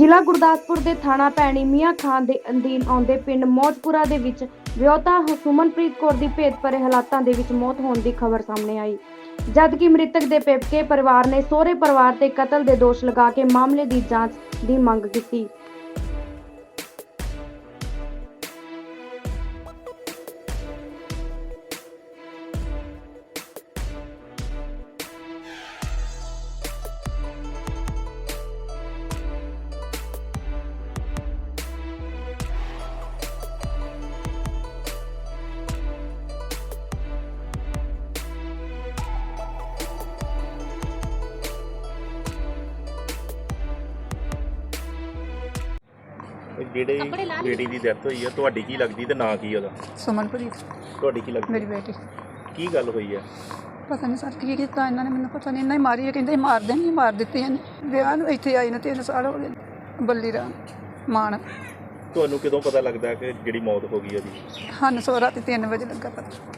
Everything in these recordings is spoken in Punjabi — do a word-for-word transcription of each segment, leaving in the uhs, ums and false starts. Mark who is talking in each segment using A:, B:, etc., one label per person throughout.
A: ਜ਼ਿਲ੍ਹਾ ਗੁਰਦਾਸਪੁਰ ਦੇ ਥਾਣਾ ਭੈਣੀ ਮੀਆਂ ਖਾਨ ਦੇ ਅਧੀਨ ਆਉਂਦੇ ਪਿੰਡ ਮੌਜਪੁਰਾ ਦੇ ਵਿੱਚ ਵਿਆਹੁਤਾ ਸੁਮਨਪ੍ਰੀਤ ਕੌਰ ਦੀ ਭੇਦ ਭਰੇ ਹਾਲਾਤਾਂ ਦੇ ਵਿੱਚ ਮੌਤ ਹੋਣ ਦੀ ਖਬਰ ਸਾਹਮਣੇ ਆਈ। ਜਦਕਿ ਮ੍ਰਿਤਕ ਦੇ ਪੇਕੇ ਪਰਿਵਾਰ ਨੇ ਸਹੁਰੇ ਪਰਿਵਾਰ ਤੇ ਕਤਲ ਦੇ ਦੋਸ਼ ਲਗਾ ਕੇ ਮਾਮਲੇ ਦੀ ਜਾਂਚ ਦੀ ਮੰਗ ਕੀਤੀ।
B: ਜਿਹੜੇ ਬੇਟੀ ਦੀ ਡੈਥ ਹੋਈ ਆ, ਤੁਹਾਡੀ ਕੀ ਲੱਗਦੀ ਤੇ ਨਾਂ ਕੀ ਉਹਦਾ?
C: ਸੁਮਨਪ੍ਰੀਤ
B: ਤੁਹਾਡੀ ਕੀ ਲੱਗਦੀ?
C: ਮੇਰੀ ਬੇਟੀ।
B: ਕੀ ਗੱਲ ਹੋਈ ਆ?
C: ਪਤਾ ਨਹੀਂ ਸਰ ਕੀ ਕੀਤਾ ਇਹਨਾਂ ਨੇ, ਮੈਨੂੰ ਪਤਾ ਨਹੀਂ। ਇਹਨਾਂ ਹੀ ਮਾਰੀ ਹੈ, ਕਹਿੰਦੇ ਮਾਰ ਦੇਣੀ, ਮਾਰ ਦਿੱਤੀ ਇਹਨੇ। ਵਿਆਹ ਨੂੰ ਇੱਥੇ ਆਈ ਨੂੰ ਤਿੰਨ ਸਾਲ ਹੋ ਗਏ। ਬੱਲੀ ਰਾਮ ਮਾਨ।
B: ਤੁਹਾਨੂੰ ਕਦੋਂ ਪਤਾ ਲੱਗਦਾ ਕਿ ਜਿਹੜੀ ਮੌਤ ਹੋ ਗਈ ਉਹਦੀ?
C: ਸਾਨੂੰ ਸੋ ਰਾਤੀ ਤਿੰਨ ਵਜੇ ਲੱਗਾ ਪਤਾ।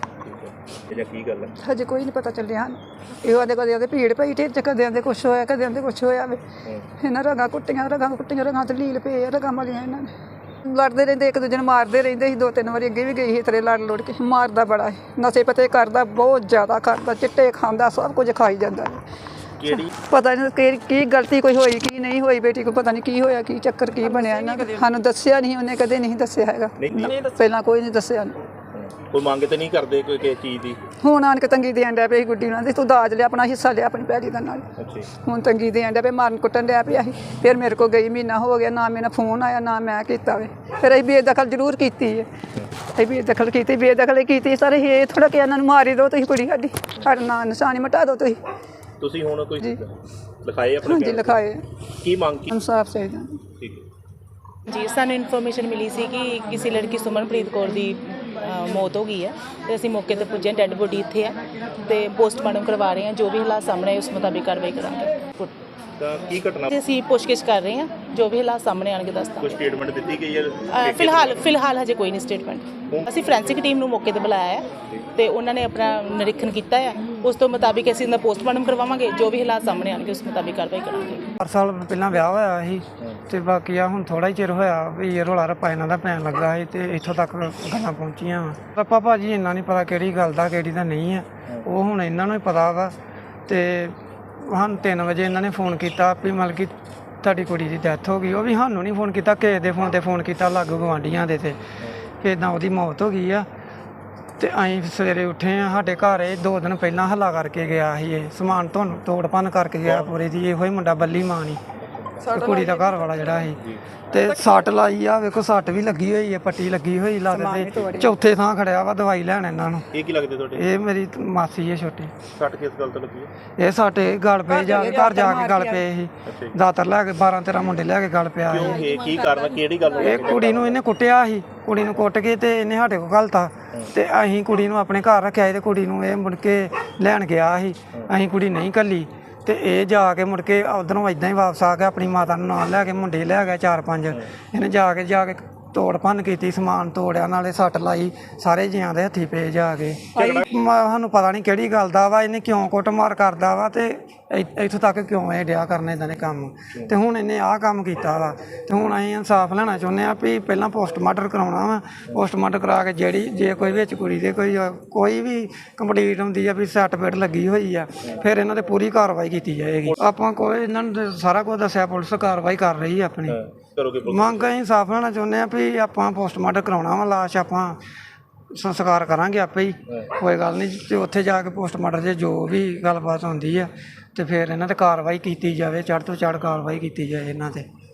B: ਇਹ ਕੀ ਗੱਲ ਹੈ?
C: ਹਜੇ ਕੋਈ ਨਹੀਂ ਪਤਾ ਚੱਲਿਆ ਸਾਨੂੰ। ਇਹੋ ਆਦੇ ਕਦੇ ਆਦੇ ਭੀੜ ਪਈ ਢਿੱਡ 'ਚ, ਕਦੇ ਆਦੇ ਕੁਛ ਹੋਇਆ, ਕਦੇ ਆਦੇ ਕੁਛ ਹੋਇਆ ਵੇ। ਇਹਨਾਂ ਰਗਾਂ ਕੁੱਟੀਆਂ, ਰਗਾਂ ਕੁੱਟੀਆਂ, ਰਗਾਂ ਤੇ ਲੀਲ ਪਏ ਆ, ਰਗਾਂ ਮਾਰੀਆਂ ਇਹਨਾਂ ਨੇ। ਲੜਦੇ ਰਹਿੰਦੇ, ਇੱਕ ਦੂਜੇ ਨੂੰ ਮਾਰਦੇ ਰਹਿੰਦੇ ਸੀ। ਦੋ ਤਿੰਨ ਵਾਰੀ ਅੱਗੇ ਵੀ ਗਈ ਸੀ ਤੇਰੇ ਲੜ ਲੁੜ ਕੇ। ਮਾਰਦਾ ਬੜਾ ਸੀ, ਨਸ਼ੇ ਪਤੇ ਕਰਦਾ, ਬਹੁਤ ਜ਼ਿਆਦਾ ਕਰਦਾ, ਚਿੱਟੇ ਖਾਂਦਾ, ਸਭ ਕੁਝ ਖਾਈ ਜਾਂਦਾ।
B: ਕਿਹੜੀ
C: ਪਤਾ ਨਹੀਂ ਕਿ ਕੀ ਗਲਤੀ ਕੋਈ ਹੋਈ ਕੀ ਨਹੀਂ ਹੋਈ। ਬੇਟੀ ਕੋ ਪਤਾ ਨਹੀਂ ਕੀ ਹੋਇਆ, ਕੀ ਚੱਕਰ ਕੀ ਬਣਿਆ ਇਹਨਾਂ ਦਾ। ਸਾਨੂੰ ਦੱਸਿਆ ਨਹੀਂ, ਉਹਨੇ ਕਦੇ ਨਹੀਂ ਦੱਸਿਆ ਹੈਗਾ। ਪਹਿਲਾਂ ਕੋਈ ਨਹੀਂ ਦੱਸਿਆ।
B: ਕੋਈ ਮੰਗ ਤੇ ਨਹੀਂ ਕਰਦੇ ਕੋਈ ਕਿਸੇ ਚੀਜ਼ ਦੀ?
C: ਹੁਣ ਆਣ ਕੇ ਤੰਗੀ ਦੇਣ ਡਿਆ ਪਈ ਗੁੱਡੀ ਉਹਨਾਂ ਦੀ, ਤੂੰ ਦਾਜ ਲਿਆ, ਆਪਣਾ ਹਿੱਸਾ ਲਿਆ ਆਪਣੀ ਭੈੜੀ ਦਾ ਨਾਲ। ਹੁਣ ਤੰਗੀ ਦੇਣ ਡਿਆ ਪਈ, ਮਾਰਨ ਕੁੱਟਣ ਡਿਆ ਪਿਆ ਸੀ। ਫਿਰ ਮੇਰੇ ਕੋਲ ਗਈ, ਮਹੀਨਾ ਹੋ ਗਿਆ, ਨਾ ਮੇਰਾ ਫੋਨ ਆਇਆ, ਨਾ ਮੈਂ ਕੀਤਾ ਵੇ। ਫਿਰ ਅਸੀਂ ਬੇਦਖਲ ਜ਼ਰੂਰ ਕੀਤੀ ਹੈ, ਅਸੀਂ ਬੇਦਖਲ ਕੀਤੀ, ਬੇਦਖਲ ਕੀਤੀ ਸਰ। ਇਹ ਥੋੜਾ ਕਿ ਇਹਨਾਂ ਨੂੰ ਮਾਰੀ ਦਿਓ ਤੁਸੀਂ, ਕੁੜੀ ਸਾਡੀ, ਸਾਡਾ ਨਾਂ ਨਿਸ਼ਾਨੀ ਮਿਟਾ ਦਿਓ ਤੁਸੀਂ।
B: ਤੁਸੀਂ ਹੁਣ ਕੋਈ ਲਿਖਾਏ ਆਪਣੇ?
C: ਹਾਂਜੀ ਲਿਖਾਏ।
B: ਕੀ ਮੰਗ ਕੀ?
C: ਇਨਸਾਫ ਚਾਹੀਦਾ।
B: ਠੀਕ ਹੈ
D: ਜੀ, ਸਾਨੂੰ ਇਨਫੋਰਮੇਸ਼ਨ ਮਿਲੀ ਸੀ ਕਿ ਕਿਸੇ ਲੜਕੀ ਸੁਮਨਪ੍ਰੀਤ ਕੌਰ ਦੀ ਮੌਤ ਹੋ ਗਈ ਹੈ ਤੇ ਅਸੀਂ ਮੌਕੇ ਤੇ ਪੁੱਜੇ। ਡੈੱਡ ਬੋਡੀ ਇੱਥੇ ਹੈ ਤੇ ਪੋਸਟਮਾਰਟਮ ਕਰਵਾ ਰਹੇ ਹਾਂ। ਜੋ ਵੀ ਹਾਲਾਤ ਸਾਹਮਣੇ ਆਏ ਉਸ ਮੁਤਾਬਿਕ ਕਾਰਵਾਈ ਕਰਾਂਗੇ।
B: ਤਾਂ ਕੀ ਘਟਨਾ?
D: ਤੇ ਅਸੀਂ ਪੁੱਛਗਿੱਛ ਕਰ ਰਹੇ ਹਾਂ, ਜੋ ਵੀ ਹਾਲਾਤ ਸਾਹਮਣੇ ਆਣਗੇ ਦੱਸਦਾ।
B: ਕੋਈ ਸਟੇਟਮੈਂਟ ਦਿੱਤੀ ਗਈ ਹੈ?
D: ਫਿਲਹਾਲ ਫਿਲਹਾਲ ਹਜੇ ਕੋਈ ਨਹੀਂ ਸਟੇਟਮੈਂਟ। ਅਸੀਂ ਫੋਰੈਂਸਿਕ ਟੀਮ ਨੂੰ ਮੌਕੇ ਤੇ ਬੁਲਾਇਆ ਹੈ ਤੇ ਉਹਨਾਂ ਨੇ ਆਪਣਾ ਨਿਰੀਖਣ ਕੀਤਾ ਹੈ। ਉਸ ਤੋਂ ਮੁਤਾਬਿਕ ਅਸੀਂ ਇਹਦਾ ਪੋਸਟਮਾਰਟਮ ਕਰਵਾਵਾਂਗੇ। ਜੋ ਵੀ ਹਾਲਾਤ ਸਾਹਮਣੇ ਆਣਗੇ ਉਸ ਮੁਤਾਬਿਕ ਕਾਰਵਾਈ ਕਰਾਂਗੇ।
E: ਚਾਰ ਸਾਲ ਪਹਿਲਾਂ ਵਿਆਹ ਹੋਇਆ ਸੀ ਤੇ ਬਾਕੀ ਆ ਹੁਣ ਥੋੜਾ ਹੀ ਚਿਰ ਹੋਇਆ ਵੀ ਇਹ ਰੌਲਾ ਰੱਪਾ ਇਹਨਾਂ ਦਾ ਪੈਣ ਲੱਗਾ ਸੀ ਤੇ ਇੱਥੋਂ ਤੱਕ ਗੱਲਾਂ ਪਹੁੰਚੀਆਂ ਵਾ। ਰੱਪਾ ਭਾਜੀ ਇੰਨਾ ਨਹੀਂ ਪਤਾ ਕਿਹੜੀ ਗੱਲ ਦਾ ਕਿਹੜੀ ਦਾ ਨਹੀਂ ਆ, ਉਹ ਹੁਣ ਇਹਨਾਂ ਨੂੰ ਹੀ ਪਤਾ ਵਾ। ਤੇ ਸਾਨੂੰ ਤਿੰਨ ਵਜੇ ਇਹਨਾਂ ਨੇ ਫੋਨ ਕੀਤਾ ਵੀ ਮਤਲਬ ਕਿ ਤੁਹਾਡੀ ਕੁੜੀ ਦੀ ਡੈਥ ਹੋ ਗਈ। ਉਹ ਵੀ ਸਾਨੂੰ ਨਹੀਂ ਫੋਨ ਕੀਤਾ, ਕਿਸੇ ਦੇ ਫੋਨ 'ਤੇ ਫੋਨ ਕੀਤਾ, ਲਾਗੂ ਗੁਆਂਢੀਆਂ ਦੇ ਤੇ ਕਿ ਇੱਦਾਂ ਉਹਦੀ ਮੌਤ ਹੋ ਗਈ ਆ। ਤੇ ਅਸੀਂ ਸਵੇਰੇ ਉੱਠੇ ਆ, ਸਾਡੇ ਘਰ ਇਹ ਦੋ ਦਿਨ ਪਹਿਲਾਂ ਹੱਲਾ ਕਰਕੇ ਗਿਆ ਸੀ। ਇਹ ਸਮਾਨ ਤੁਹਾਨੂੰ ਤੋੜ ਭੰਨ ਕਰਕੇ ਗਿਆ ਪੂਰੇ ਦੀ। ਇਹੋ ਹੀ ਮੁੰਡਾ ਬੱਲੀ ਮਾਂ ਨਹੀਂ, ਕੁੜੀ ਦਾ ਘਰ ਵਾਲਾ ਜਿਹੜਾ ਸੀ। ਤੇ ਸੱਟ ਲਾਈ ਆ, ਵੇਖੋ ਸੱਟ ਵੀ ਲੱਗੀ ਹੋਈ ਹੈ, ਪੱਟੀ ਲੱਗੀ ਹੋਈ ਲੱਗ ਤੇ ਚੌਥੇ ਥਾਂ ਖੜਿਆ ਵਾ ਦਵਾਈ ਲੈਣ ਇਹਨਾਂ ਨੂੰ।
B: ਇਹ ਕੀ ਲੱਗਦੇ ਤੁਹਾਡੇ? ਇਹ
E: ਮੇਰੀ ਮਾਸੀ ਹੈ ਛੋਟੀ।
B: ਸੱਟ ਕਿਸ ਗੱਲ ਤੋਂ ਲੱਗੀ ਹੈ?
E: ਇਹ ਸਾਡੇ ਗਲ ਪਏ ਜਾ ਕੇ, ਘਰ ਜਾ ਕੇ ਗਲ ਪਏ ਸੀ। ਦਾਤਰ ਲੈ ਕੇ ਬਾਰਾਂ ਤੇਰਾਂ ਮੁੰਡੇ ਲੈ ਕੇ ਗਲ ਪਿਆ।
B: ਕਿਉਂ? ਇਹ ਕੀ ਕਾਰਨ, ਕਿਹੜੀ ਗੱਲ?
E: ਇਹ ਕੁੜੀ ਨੂੰ ਇਹਨੇ ਕੁੱਟਿਆ ਸੀ, ਕੁੜੀ ਨੂੰ ਕੁੱਟ ਕੇ ਤੇ ਇਹਨੇ ਸਾਡੇ ਕੋਲ ਘਲਤਾ ਤੇ ਅਸੀਂ ਕੁੜੀ ਨੂੰ ਆਪਣੇ ਘਰ ਰੱਖਿਆ ਤੇ ਕੁੜੀ ਨੂੰ ਇਹ ਮੁੜ ਕੇ ਲੈਣ ਗਿਆ ਸੀ। ਅਸੀਂ ਕੁੜੀ ਨਹੀਂ ਘੱਲੀ ਤੇ ਇਹ ਜਾ ਕੇ ਮੁੜ ਕੇ ਉੱਧਰੋਂ ਇੱਦਾਂ ਹੀ ਵਾਪਸ ਆ ਗਿਆ, ਆਪਣੀ ਮਾਤਾ ਨੂੰ ਨਾਲ ਲੈ ਕੇ, ਮੁੰਡੇ ਲੈ ਗਿਆ ਚਾਰ ਪੰਜ। ਇਹਨੇ ਜਾ ਕੇ ਜਾ ਕੇ ਤੋੜ ਭੰਨ ਕੀਤੀ, ਸਮਾਨ ਤੋੜਿਆ, ਨਾਲੇ ਸੱਟ ਲਾਈ, ਸਾਰੇ ਜੀਆਂ ਦੇ ਹੱਥੀ ਪਏ ਜਾ ਕੇ। ਸਾਨੂੰ ਪਤਾ ਨਹੀਂ ਕਿਹੜੀ ਗੱਲ ਦਾ ਵਾ, ਇਹਨੇ ਕਿਉਂ ਕੁੱਟਮਾਰ ਕਰਦਾ ਵਾ ਤੇ ਇੱਥੋਂ ਤੱਕ ਕਿਉਂ ਇਹ ਡਿਆ ਕਰਨ ਇੱਦਾਂ ਦੇ ਕੰਮ। ਤੇ ਹੁਣ ਇਹਨੇ ਆਹ ਕੰਮ ਕੀਤਾ ਵਾ ਤੇ ਹੁਣ ਅਸੀਂ ਇਨਸਾਫ ਲੈਣਾ ਚਾਹੁੰਦੇ ਹਾਂ ਵੀ ਪਹਿਲਾਂ ਪੋਸਟਮਾਰਟਮ ਕਰਾਉਣਾ ਵਾ। ਪੋਸਟਮਾਰਟਮ ਕਰਾ ਕੇ ਜਿਹੜੀ ਜੇ ਕੋਈ ਵਿੱਚ ਕੁੜੀ ਦੇ ਕੋਈ ਕੋਈ ਵੀ ਕੰਪਲੀਟ ਹੁੰਦੀ ਆ ਵੀ ਸੱਟ ਪੇਟ ਲੱਗੀ ਹੋਈ ਆ, ਫਿਰ ਇਹਨਾਂ 'ਤੇ ਪੂਰੀ ਕਾਰਵਾਈ ਕੀਤੀ ਜਾਏਗੀ। ਆਪਾਂ ਕੋਈ ਇਹਨਾਂ ਨੂੰ ਸਾਰਾ ਕੁਝ ਦੱਸਿਆ, ਪੁਲਿਸ ਕਾਰਵਾਈ ਕਰ ਰਹੀ ਆਪਣੀ। ਮੰਗ ਅਸੀਂ ਇਨਸਾਫ ਲੈਣਾ ਚਾਹੁੰਦੇ ਹਾਂ ਵੀ ਆਪਾਂ ਪੋਸਟਮਾਰਟਮ ਕਰਾਉਣਾ ਵਾ, ਲਾਸ਼ ਆਪਾਂ ਸੰਸਕਾਰ ਕਰਾਂਗੇ ਆਪੇ ਹੀ, ਕੋਈ ਗੱਲ ਨਹੀਂ। ਤੇ ਉੱਥੇ ਜਾ ਕੇ ਪੋਸਟਮਾਰਟਮ 'ਚ ਜੋ ਵੀ ਗੱਲਬਾਤ ਹੁੰਦੀ ਆ ਤੇ ਫਿਰ ਇਹਨਾਂ 'ਤੇ ਕਾਰਵਾਈ ਕੀਤੀ ਜਾਵੇ, ਚੜ੍ਹ ਤੋਂ ਚੜ੍ਹ ਕਾਰਵਾਈ ਕੀਤੀ ਜਾਏ ਇਹਨਾਂ 'ਤੇ।